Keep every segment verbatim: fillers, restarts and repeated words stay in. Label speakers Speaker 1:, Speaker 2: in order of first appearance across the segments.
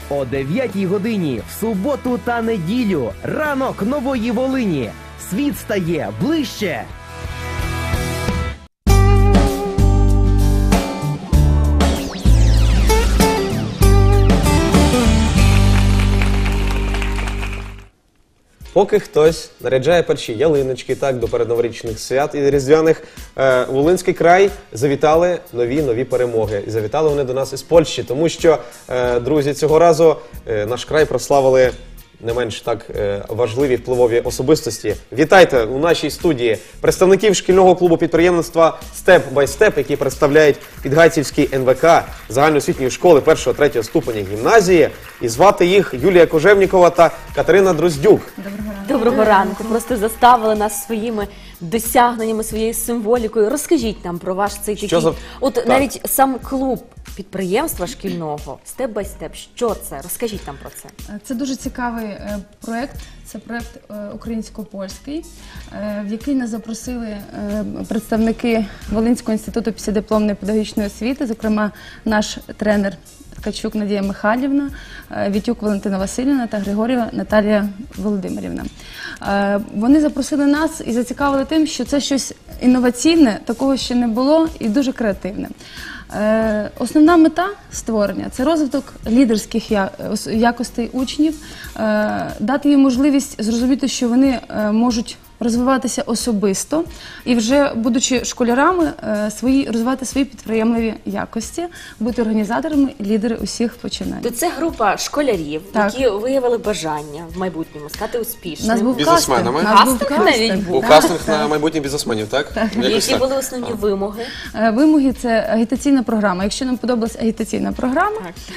Speaker 1: О дев'ятій годині в суботу та неділю. Ранок Нової Волині. Світ стає ближче.
Speaker 2: Поки хтось наряджає перші ялиночки так, до передноворічних свят і різдвяних, е, Волинський край завітали нові-нові перемоги. І завітали вони до нас із Польщі, тому що, е, друзі, цього разу е, наш край прославили не менш так е, важливі впливові особистості. Вітайте у нашій студії представників шкільного клубу підприємництва «Степ бай степ», які представляють Підгайцівський ен ве ка загальноосвітньої школи першого-третього ступеня гімназії. І звати їх Юлія Кожевнікова та Катерина Дроздюк.
Speaker 3: Доброго ранку. Доброго ранку. Просто заставили нас своїми досягненнями, своєю символікою. Розкажіть нам про ваш цей такий...
Speaker 2: за...
Speaker 3: От
Speaker 2: так.
Speaker 3: навіть сам клуб підприємства шкільного «Степ бай степ». Що це? Розкажіть нам про це.
Speaker 4: Це дуже цікавий е, проєкт. Це проєкт е, українсько-польський, е, в який нас запросили е, представники Волинського інституту післядипломної педагогічної освіти, зокрема наш тренер Ткачук Надія Михайлівна, е, Вітюк Валентина Васильівна та Григорєва Наталія Володимирівна. Е, вони запросили нас і зацікавили тим, що це щось інноваційне, такого ще не було і дуже креативне. Е, основна мета створення – це розвиток лідерських я, якостей учнів, е, дати їм можливість зрозуміти, що вони е, можуть розвиватися особисто і вже, будучи школярами, е, свої, розвивати свої підприємливі якості, бути організаторами, лідери усіх починань.
Speaker 3: То це група школярів,
Speaker 4: Так.
Speaker 3: які виявили бажання в майбутньому стати успішними.
Speaker 4: Нас був
Speaker 2: Бізнесменами?
Speaker 4: кастинг. Нас був
Speaker 3: Кастинг навіть
Speaker 4: кастинг.
Speaker 3: був?
Speaker 2: У
Speaker 4: Так,
Speaker 2: кастинг
Speaker 4: так.
Speaker 2: на майбутніх бізнесменів, так? Якось
Speaker 3: Які
Speaker 2: так.
Speaker 3: були основні вимоги?
Speaker 4: Е, Вимоги – це агітаційна програма. Якщо нам подобалась агітаційна програма,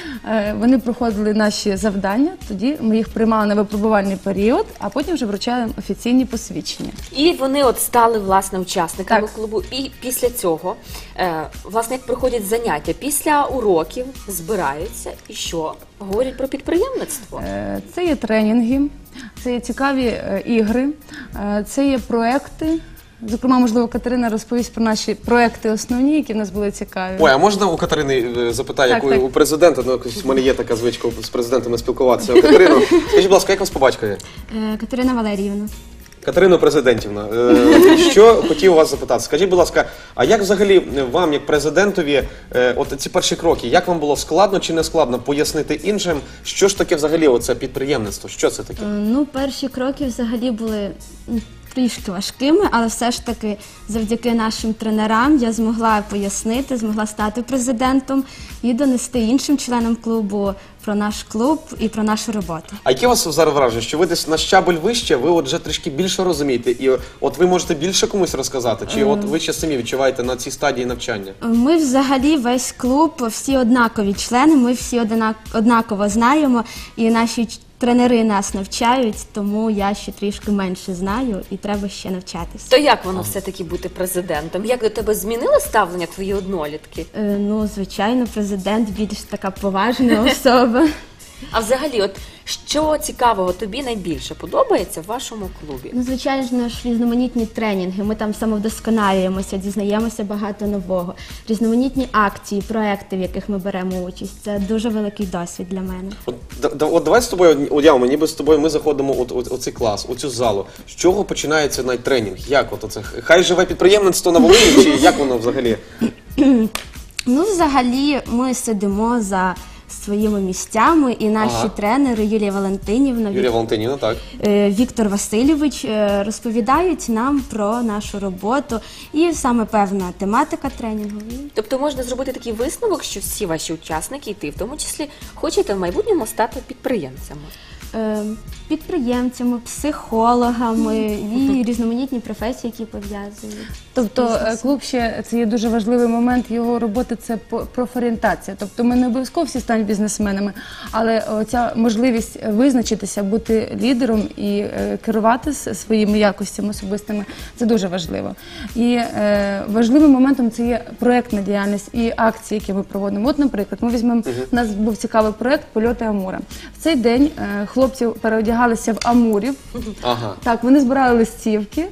Speaker 4: е, вони проходили наші завдання, тоді ми їх приймали на випробувальний період, а потім вже вручали офіційні посвідчення.
Speaker 3: І вони от стали, власне, учасниками
Speaker 4: Так.
Speaker 3: клубу. І після цього, е, власне, як проходять заняття, після уроків збираються і що? Говорять про підприємництво.
Speaker 4: Е, Це є тренінги, це є цікаві е, ігри, е, це є проекти. Зокрема, можливо, Катерина розповість про наші проекти основні, які в нас були цікаві.
Speaker 2: Ой, а можна у Катерини е, запитаю,
Speaker 4: Так,
Speaker 2: як у,
Speaker 4: так.
Speaker 2: у президента, ну, якось в мене є така звичка з президентами спілкуватися. Катерино, скажіть, будь ласка, як вас по батькові?
Speaker 5: Катерина Валеріївна.
Speaker 2: Катерино Президентівна, е, що хотів вас запитати? Скажіть, будь ласка, а як взагалі вам, як президентові, е, от ці перші кроки, як вам було складно чи не складно пояснити іншим, що ж таке взагалі оце підприємництво, що це таке?
Speaker 5: Ну, перші кроки взагалі були м, трішки важкими, але все ж таки завдяки нашим тренерам я змогла пояснити, змогла стати президентом і донести іншим членам клубу про наш клуб і про нашу роботу.
Speaker 2: А які у вас зараз враження, що ви десь на щабель вище, ви от вже трішки більше розумієте, і от ви можете більше комусь розказати, чи от ви ще самі відчуваєте на цій стадії навчання?
Speaker 5: Ми взагалі весь клуб, всі однакові члени, ми всі однак- однаково знаємо, і наші ч- тренери нас навчають, тому я ще трішки менше знаю і треба ще навчатися.
Speaker 3: То як воно все-таки бути президентом? Як до тебе змінили ставлення твої однолітки?
Speaker 5: Е, Ну, звичайно, президент більш така поважна особа.
Speaker 3: А взагалі, от що цікавого тобі найбільше подобається в вашому клубі?
Speaker 5: Ну, звичайно ж, різноманітні тренінги, ми там самовдосконалюємося, дізнаємося багато нового. Різноманітні акції, проекти, в яких ми беремо участь. Це дуже великий досвід для мене.
Speaker 2: От, да- да- от давай з тобою, уявимо, ніби з тобою ми заходимо у, у, у цей клас, у цю залу. З чого починається найтренінг? Як от оце? Хай живе підприємництво на Волині, чи як воно взагалі?
Speaker 5: Ну, взагалі, ми сидимо за своїми місцями, і наші
Speaker 2: Ага.
Speaker 5: тренери Юлія Валентинівна,
Speaker 2: Юлія
Speaker 5: Вік-
Speaker 2: Валентинівна, так.
Speaker 5: е, Віктор Васильович е, розповідають нам про нашу роботу і саме певна тематика тренінгу.
Speaker 3: Тобто можна зробити такий висновок, що всі ваші учасники, і ти в тому числі, хочете в майбутньому стати підприємцями.
Speaker 5: Е, Підприємцями, психологами і різноманітні професії, які пов'язують.
Speaker 4: Тобто
Speaker 5: з
Speaker 4: е,
Speaker 5: бізнесом.
Speaker 4: клуб ще, це є дуже важливий момент його роботи, це по- профорієнтація. Тобто ми не обов'язково всі стануть бізнесменами, але ця можливість визначитися, бути лідером і е, керувати с- своїми якостями особистими, це дуже важливо. І е, важливим моментом це є проєктна діяльність і акції, які ми проводимо. От, наприклад, ми візьмемо, у нас був цікавий проєкт «Польоти Амура». В цей день е, хлопці переодягалися в амурів.
Speaker 2: Ага.
Speaker 4: Так, вони збирали листівки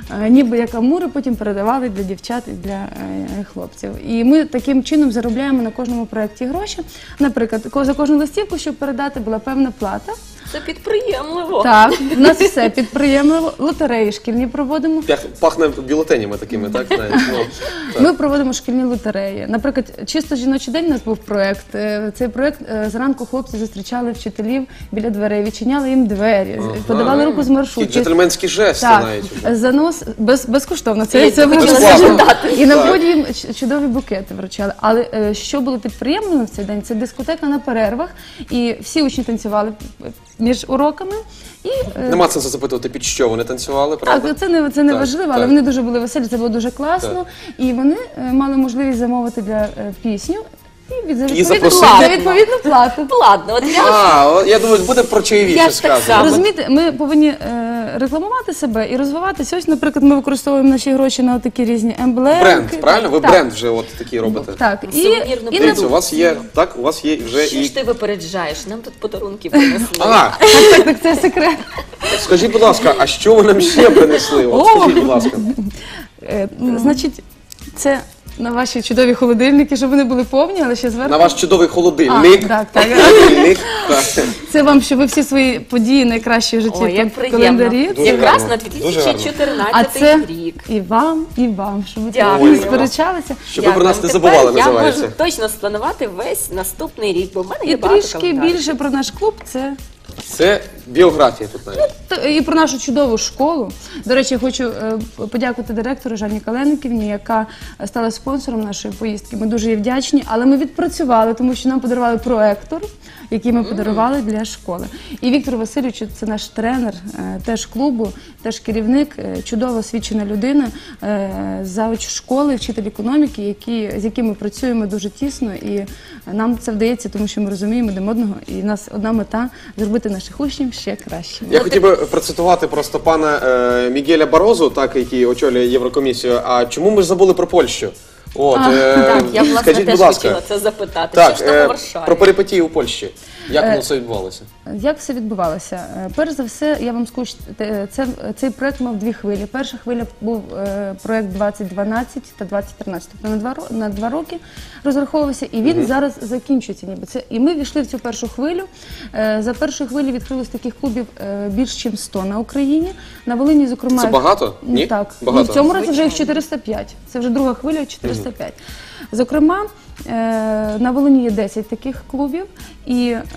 Speaker 4: е, ніби як амури, потім передавали для дівчат і для е, хлопців. І ми таким чином заробляємо на кожному проєкті гроші. Наприклад, ко- за кожну листівку, щоб передати, була певна плата.
Speaker 3: Це підприємливо.
Speaker 4: Так, у нас все підприємливо, лотереї шкільні проводимо.
Speaker 2: Пях- Пахне бюлетенями такими, так? Навіть, ну, так.
Speaker 4: Ми проводимо шкільні лотереї. Наприклад, чисто жіночий день у нас був проєкт. Е, Цей проєкт е, зранку хлопці зустрічали вчителів біля дверей, відчиняли їм двері,
Speaker 2: Ага.
Speaker 4: подавали руку з
Speaker 2: Такі
Speaker 4: маршрутки.
Speaker 2: джентльменські жести
Speaker 4: Так,
Speaker 2: навіть. вже.
Speaker 4: занос без, безкоштовно. Це,
Speaker 3: Я
Speaker 4: це
Speaker 3: хотіла
Speaker 4: безкоштовно.
Speaker 3: запитати.
Speaker 4: І на
Speaker 2: Так.
Speaker 4: вході їм ч- чудові букети вручали. Але е, що було підприємним в цей день? Це дискотека на перервах, і всі учні танцювали між уроками. І, е,
Speaker 2: Нема сенсу запитувати, під що вони танцювали, правда?
Speaker 4: так, це не це не
Speaker 2: Так,
Speaker 4: важливо,
Speaker 2: так.
Speaker 4: але вони дуже були веселі, це було дуже класно. І вони е, мали можливість замовити для е, пісню і від за відповідну,
Speaker 2: запросити.
Speaker 4: за відповідну плату.
Speaker 3: Ладно, от я
Speaker 2: А, о, я думаю, буде про
Speaker 3: Я
Speaker 2: чаєвіше
Speaker 3: ж так
Speaker 2: сказано.
Speaker 3: само.
Speaker 4: Розумієте, ми повинні е, рекламувати себе і розвиватися. Ось, наприклад, ми використовуємо наші гроші на такі різні емблеми.
Speaker 2: Бренд, правильно? Ви
Speaker 4: Так.
Speaker 2: бренд вже от такий робите.
Speaker 4: Так, і,
Speaker 3: Сувенірну
Speaker 4: і на...
Speaker 2: Дивіться, у вас є, так, у вас є вже
Speaker 3: що
Speaker 2: і...
Speaker 3: ж ти випереджаєш? Нам тут подарунки принесли.
Speaker 2: А,
Speaker 4: так, так, це секрет.
Speaker 2: скажіть, будь ласка, а що ви нам ще принесли? От,
Speaker 4: О!
Speaker 2: скажіть, будь ласка.
Speaker 4: Е, значить, це на ваші чудові холодильники, щоб вони були повні, але ще зверху.
Speaker 2: На ваш чудовий холодильник.
Speaker 4: А, так, так.
Speaker 2: Холодильник, так.
Speaker 4: Це вам, щоб ви всі свої події найкращі в житті
Speaker 3: Ой, як
Speaker 4: в
Speaker 3: приємно.
Speaker 4: календарі.
Speaker 2: Дуже
Speaker 3: Якраз
Speaker 2: гарно,
Speaker 3: на
Speaker 2: дуже
Speaker 3: дві тисячі
Speaker 4: А
Speaker 3: чотирнадцятий
Speaker 4: це
Speaker 3: рік.
Speaker 4: і вам, і вам, щоб ви
Speaker 3: Дякую.
Speaker 4: не сперечалися.
Speaker 2: Щоб ви про нас не
Speaker 3: Дякую.
Speaker 2: забували,
Speaker 3: Тепер
Speaker 2: називається.
Speaker 3: Я можу точно спланувати весь наступний рік, бо в мене є
Speaker 4: І
Speaker 3: багато
Speaker 4: трішки
Speaker 3: календарів.
Speaker 4: більше про наш клуб, це
Speaker 2: Це біографія тут навіть.
Speaker 4: Та- і про нашу чудову школу. До речі, я хочу е, подякувати директору Жанні Калениківні, яка стала спонсором нашої поїздки. Ми дуже їй вдячні, але ми відпрацювали, тому що нам подарували проектор, який ми подарували для школи. І Віктор Васильович, це наш тренер, е, теж клубу, теж керівник, е, чудово освічена людина, е, завуч школи, вчитель економіки, які, з якими працюємо дуже тісно. І нам це вдається, тому що ми розуміємо один одного, і в нас одна мета зробити наших учнів ще кращими.
Speaker 2: Я хотів би процитувати просто пана е, Мігеля Барозу, так, який очолює Єврокомісію. А чому ми ж забули про Польщу? От, е,
Speaker 3: Так, я власне
Speaker 2: скажіть,
Speaker 3: теж
Speaker 2: будь ласка,
Speaker 3: хотіла це запитати.
Speaker 2: так,
Speaker 3: що ж там
Speaker 2: е,
Speaker 3: у Варшаві?
Speaker 2: про перипетії у Польщі. Як
Speaker 4: Е,
Speaker 2: воно все відбувалося?
Speaker 4: Як все відбувалося? Е, Перш за все, я вам скажу, що те- це, цей проект мав дві хвилі. Перша хвиля був е, проект двадцять дванадцять та двадцять тринадцять, тобто на два, ро- на два роки розраховувався, і він зараз закінчується ніби. Це, і ми війшли в цю першу хвилю. Е, За першою хвилею відкрилось таких клубів е, більш ніж сто на Україні. На Волині, зокрема...
Speaker 2: Це багато? Ні?
Speaker 4: Так.
Speaker 2: Багато.
Speaker 4: Ну, в цьому році вже їх
Speaker 3: Звичайно.
Speaker 4: чотириста п'ять. Це вже друга хвиля, чотириста п'ять. Зокрема, е, на Волині є десять таких клубів, і е,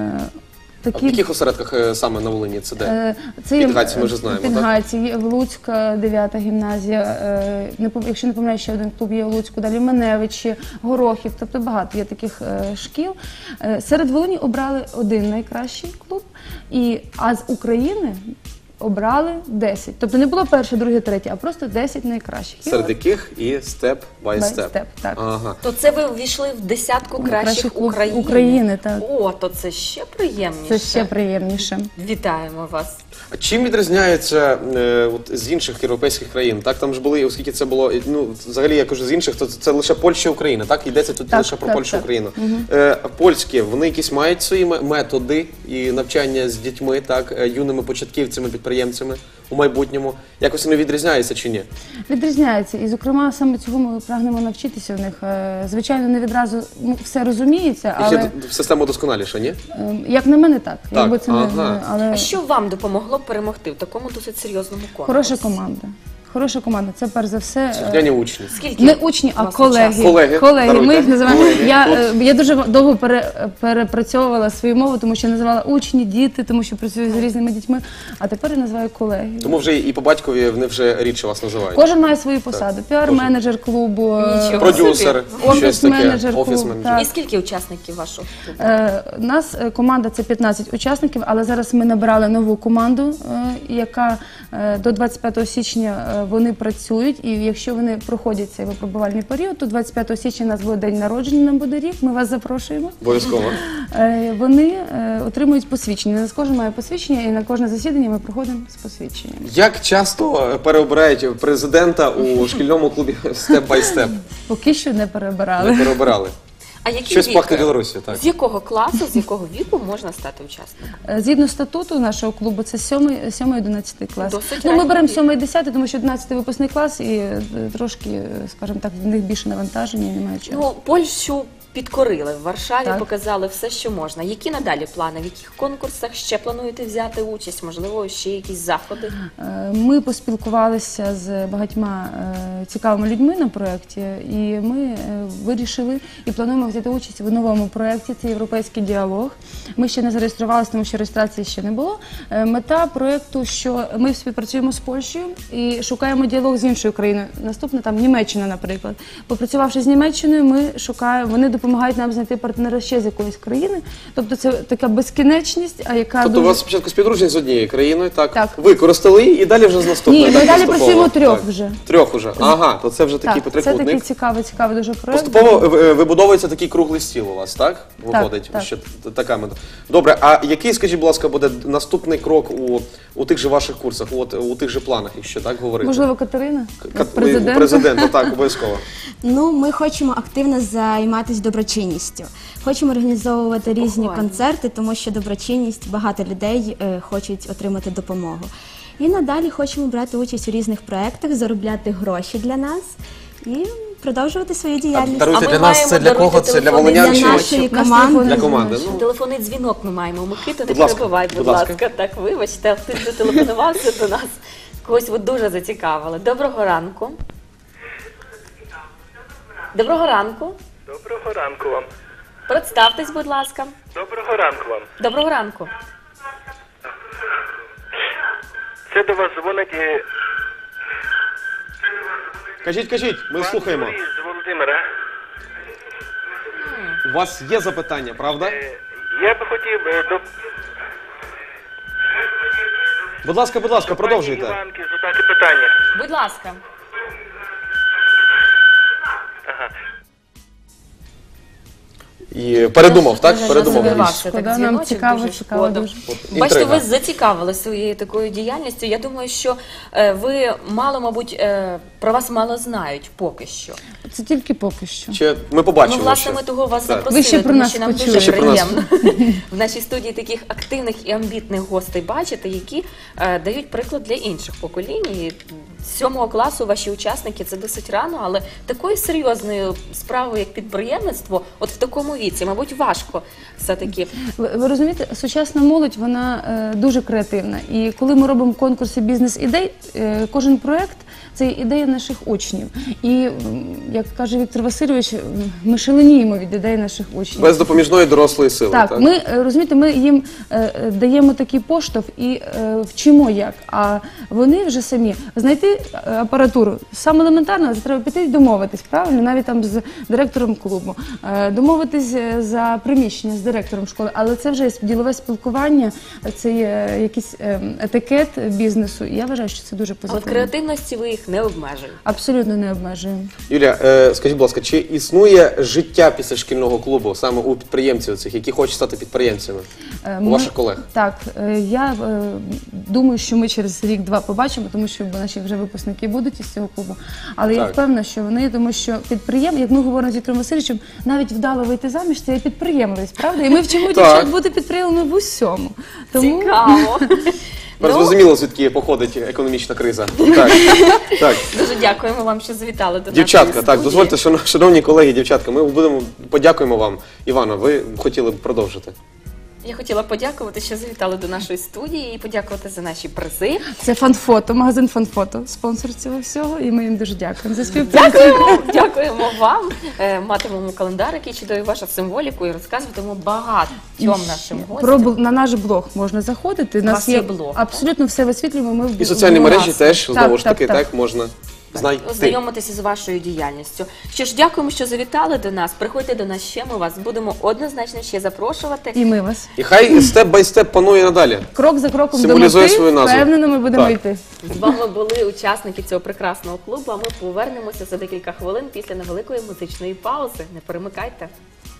Speaker 2: А в
Speaker 4: такі...
Speaker 2: яких осередках е, саме на Волині це де?
Speaker 4: Е, Це є,
Speaker 2: Підгайці ми вже знаємо, так?
Speaker 4: Підгайці, є в Луцька, дев'ята гімназія, е, не пом- якщо не помиляю, ще один клуб є у Луцьку, далі Маневичі, Горохів, тобто багато є таких е, шкіл. Е, Серед Волині обрали один найкращий клуб, і, а з України обрали десять. Тобто не було перше, друге, третє, а просто десять найкращих. І
Speaker 2: Серед
Speaker 4: от
Speaker 2: яких і степ бай
Speaker 4: by
Speaker 2: степ.
Speaker 4: step, так.
Speaker 2: Ага.
Speaker 3: То це ви ввійшли в десятку кращих
Speaker 4: Кращих клуб
Speaker 3: України.
Speaker 4: України, так.
Speaker 3: О, то це ще приємніше.
Speaker 4: Це ще приємніше.
Speaker 3: Вітаємо вас.
Speaker 2: А чим відрізняється е, от, з інших європейських країн? Так, там ж були, оскільки це було, ну, взагалі, я кажу, з інших, то це лише Польща і Україна, так? Йдеться тут
Speaker 4: Так,
Speaker 2: лише про
Speaker 4: так,
Speaker 2: Польщу і
Speaker 4: так.
Speaker 2: Україну. Е, польські, вони якісь мають свої ме- методи і навчання з дітьми, так, е, юними початківцями, підприємцями у майбутньому. Якось вони відрізняються чи ні?
Speaker 4: Відрізняється, і зокрема саме цього ми прагнемо навчитися в них. Е, Звичайно, не відразу ну, все розуміється,
Speaker 2: Їх
Speaker 4: але
Speaker 2: є д- система досконаліша, ні?
Speaker 4: е, як на мене, так. Якби це
Speaker 2: ага.
Speaker 4: не але
Speaker 3: А що вам допомогло перемогти в такому досить серйозному конкурсі?
Speaker 4: хороша команда. Хороша команда. Це перш за все. е,
Speaker 2: Слухняні учні.
Speaker 3: Скільки
Speaker 4: Не учні, а
Speaker 3: у вас
Speaker 4: колеги.
Speaker 3: учасників?
Speaker 2: Колеги,
Speaker 4: колеги.
Speaker 2: даруйте.
Speaker 4: Ми їх називаємо.
Speaker 2: Колеги.
Speaker 4: Я, е, я дуже довго пере, перепрацьовувала свою мову, тому що називала учні, діти, тому що працюю з різними дітьми. А тепер я називаю колеги.
Speaker 2: Тому вже і по батькові вони вже рідше вас називають.
Speaker 4: Кожен має свою посаду. Піар-менеджер клубу, е,
Speaker 3: Нічого.
Speaker 2: Продюсер, щось таке,
Speaker 4: офіс-менеджер клубу.
Speaker 2: офіс-менеджер.
Speaker 4: так.
Speaker 3: І скільки учасників вашого клубу?
Speaker 4: Е, У нас е, команда це п'ятнадцять учасників, але зараз ми набирали нову команду, е, яка е, до двадцять п'ятого січня е, вони працюють. І якщо вони проходять цей випробувальний період, то двадцять п'ятого січня у нас буде день народження, нам буде рік. Ми вас запрошуємо.
Speaker 2: Обов'язково.
Speaker 4: Е, Вони е, отримують посвідчення. Не кожен має посвідчення, і на кожне засідання ми проходимо з посвідченням.
Speaker 2: Як часто переобирають президента у шкільному клубі степ бай степ?
Speaker 4: Поки що не
Speaker 2: Не
Speaker 4: перебирали.
Speaker 2: переобирали.
Speaker 3: А який
Speaker 2: Щось
Speaker 3: вік?
Speaker 2: пахне Білорусі, так.
Speaker 3: З якого класу, з якого віку можна стати учасником?
Speaker 4: Е, Згідно статуту нашого клубу, це сьомий одинадцятий клас.
Speaker 3: Досить
Speaker 4: Ну, ми
Speaker 3: ранній
Speaker 4: беремо
Speaker 3: вік.
Speaker 4: сьомий десятий, тому що одинадцятий випускний клас і е, трошки, е, скажімо так, в них більше навантаження і немає чого.
Speaker 3: Ну, Польщу підкорили в Варшаві,
Speaker 4: Так.
Speaker 3: показали все, що можна. Які надалі плани? В яких конкурсах ще плануєте взяти участь? Можливо, ще якісь заходи?
Speaker 4: Е, Ми поспілкувалися з багатьма е, цікавими людьми на проєкті, і ми е, вирішили і плануємо взяти участь в новому проєкті. Це європейський діалог. Ми ще не зареєструвалися, тому що реєстрації ще не було. Е, Мета проєкту, що ми співпрацюємо з Польщею і шукаємо діалог з іншою країною. Наступна там Німеччина, наприклад. Попрацювавши з Німеччиною, ми шукаємо, вони допомагають нам знайти партнера ще з якоїсь країни. Тобто це така безкінечність, а яка
Speaker 2: Тобто у
Speaker 4: дуже...
Speaker 2: вас спочатку співдружність з однією країною, так?
Speaker 4: Так.
Speaker 2: Використали її і далі вже з наступною.
Speaker 4: Ні,
Speaker 2: так,
Speaker 4: ми далі
Speaker 2: поступово.
Speaker 4: працюємо трьох
Speaker 2: Так.
Speaker 4: вже.
Speaker 2: Трьох уже. Ага, то це вже такий
Speaker 4: Так, це такий
Speaker 2: потрикутник.
Speaker 4: цікавий, цікавий дуже проєкт.
Speaker 2: Поступово е, вибудовується такий круглий стіл у вас, так? Виходить,
Speaker 4: так.
Speaker 2: що т- така мета. Добре, а який, скажіть, будь ласка, буде наступний крок у, у тих же ваших курсах, от, у тих же планах, якщо так говорити?
Speaker 4: Можливо, Катерина?
Speaker 2: Ка-
Speaker 4: як президент?
Speaker 2: Президента, так, обов'язково.
Speaker 5: Ну, ми хочемо активно займатися доброчинністю. Хочемо організовувати різні
Speaker 3: Похвально.
Speaker 5: концерти, тому що доброчинність, багато людей е, хочуть отримати допомогу. І надалі хочемо брати участь у різних проєктах, заробляти гроші для нас і продовжувати свою діяльність.
Speaker 2: Даруйте
Speaker 3: А ми
Speaker 2: для нас,
Speaker 3: маємо
Speaker 2: це для
Speaker 3: даруйте
Speaker 2: кого? Це для
Speaker 3: телефони
Speaker 2: волинян
Speaker 5: для
Speaker 2: чи
Speaker 5: нашої
Speaker 4: Наш
Speaker 5: команди.
Speaker 4: телефон
Speaker 2: для команди? Ну,
Speaker 3: Телефонний дзвінок ми маємо. Микита, не
Speaker 2: Будь ласка,
Speaker 3: перебивай, будь
Speaker 2: будь ласка.
Speaker 3: ласка. Так, вибачте, ти зателефонувався до нас. Когось ви дуже зацікавили. Доброго ранку. Доброго ранку.
Speaker 6: Доброго ранку вам.
Speaker 3: Представтесь, будь ласка.
Speaker 6: Доброго ранку вам.
Speaker 3: Доброго ранку.
Speaker 6: Це до вас дзвонить е,
Speaker 2: кажіть, кажіть, ми
Speaker 6: пан
Speaker 2: слухаємо.
Speaker 6: Юрій з Володимира.
Speaker 2: У вас є запитання, правда?
Speaker 6: Е, Я би хотів е, до
Speaker 2: Будь ласка, будь ласка,
Speaker 6: пані
Speaker 2: продовжуйте.
Speaker 6: Іванки задати питання.
Speaker 3: Будь ласка.
Speaker 6: Ага.
Speaker 2: І передумав, так?
Speaker 3: Дуже
Speaker 2: Передумав.
Speaker 3: розвивався
Speaker 4: Шкода,
Speaker 3: так
Speaker 4: нам
Speaker 3: дзвіночок,
Speaker 4: цікаво,
Speaker 3: дуже
Speaker 4: цікаво
Speaker 3: шкода.
Speaker 4: дуже.
Speaker 3: Бачите,
Speaker 2: Інтрига.
Speaker 3: ви зацікавили своєю такою діяльністю. Я думаю, що е, ви мало, мабуть, е, про вас мало знають поки що.
Speaker 4: Це тільки поки що.
Speaker 2: Ще ми побачимо.
Speaker 3: Ну, власне,
Speaker 2: ще.
Speaker 3: ми того вас
Speaker 2: Так.
Speaker 3: запросили,
Speaker 4: Ви ще про
Speaker 3: тому
Speaker 4: нас
Speaker 3: що нам
Speaker 4: почули.
Speaker 3: дуже
Speaker 2: Ще про нас.
Speaker 3: приємно в нашій студії таких активних і амбітних гостей бачити, які е, дають приклад для інших поколінь. І з сьомого класу ваші учасники це досить рано, але такою серйозною справою, як підприємництво, от в такому віці, мабуть, важко все-таки.
Speaker 4: Ви, ви розумієте, сучасна молодь, вона е, дуже креативна. І коли ми робимо конкурси бізнес-ідей, е, кожен проєкт – це ідея наших учнів. І, м, як каже Віктор Васильович, м, ми шаленіємо від ідей наших учнів.
Speaker 2: Без допоміжної дорослої сили.
Speaker 4: Так,
Speaker 2: Так,
Speaker 4: ми е, розумієте, ми їм е, е, даємо такий поштовх і е, вчимо як. А вони вже самі знайти е, апаратуру. Саме елементарно, це треба піти і домовитись, правильно, навіть там з директором клубу, е, домовитись е, за приміщення з директором школи. Але це вже є ділове спілкування, це є якийсь е, етикет бізнесу. І я вважаю, що це дуже
Speaker 3: А от
Speaker 4: позитивно.
Speaker 3: креативності ви їх не обмежуєте.
Speaker 4: Абсолютно не обмежуємо.
Speaker 2: Юлія, е, скажіть, будь ласка, чи існує життя після шкільного клубу саме у підприємців цих, які хочуть стати підприємцями?
Speaker 4: Е,
Speaker 2: У
Speaker 4: ми-
Speaker 2: ваших колег?
Speaker 4: Так, е, я е, думаю, що ми через рік-два побачимо, тому що наші вже випускники будуть із цього клубу. Але я
Speaker 2: Так.
Speaker 4: впевнена, що вони, тому що підприєм, як ми говоримо з Віктором Васильовичем, навіть вдало вийти заміж, це є підприємливість, правда? І ми вчимо
Speaker 2: Так.
Speaker 4: дівчат бути підприємними в усьому. Тому
Speaker 3: Цікаво.
Speaker 2: Тепер
Speaker 3: Ну,
Speaker 2: зрозуміло, звідки походить економічна криза. Так, так.
Speaker 3: дуже дякуємо вам, що завітали до
Speaker 2: Дівчатка,
Speaker 3: нашої
Speaker 2: так,
Speaker 3: студії.
Speaker 2: дозвольте, шано- шановні колеги, дівчатка, ми будемо подякуємо вам. Івано, ви хотіли б продовжити?
Speaker 3: Я хотіла подякувати, що завітали до нашої студії і подякувати за наші призи.
Speaker 4: це фанфото, магазин фанфото, спонсор цього всього, і ми їм дуже дякуємо за співпрацю.
Speaker 3: Дякуємо, дякуємо вам. Е, Матимемо календар, який чудовий вашу символіку, і розказуватимемо багатьом нашим
Speaker 4: Про
Speaker 3: гостям.
Speaker 4: бл- на наш блог можна заходити. У
Speaker 3: вас
Speaker 4: нас
Speaker 3: є
Speaker 4: є
Speaker 3: блог,
Speaker 4: абсолютно все висвітлюємо. Ми в
Speaker 2: І соціальні
Speaker 4: в-
Speaker 2: мережі
Speaker 4: власне.
Speaker 2: теж,
Speaker 4: Так,
Speaker 2: знову ж таки,
Speaker 4: так,
Speaker 2: так, можна знайти.
Speaker 3: Ознайомитися з вашою діяльністю. Що ж, дякуємо, що завітали до нас. Приходьте до нас ще. Ми вас будемо однозначно ще запрошувати.
Speaker 4: І ми вас.
Speaker 2: І хай степ бай степ панує надалі.
Speaker 4: Крок за кроком до
Speaker 2: Символізує
Speaker 4: мети,
Speaker 2: свою назву.
Speaker 4: впевнено, ми будемо
Speaker 2: Так.
Speaker 4: йти.
Speaker 3: З вами були учасники цього прекрасного клубу. А ми повернемося за декілька хвилин після невеликої музичної паузи. Не перемикайте.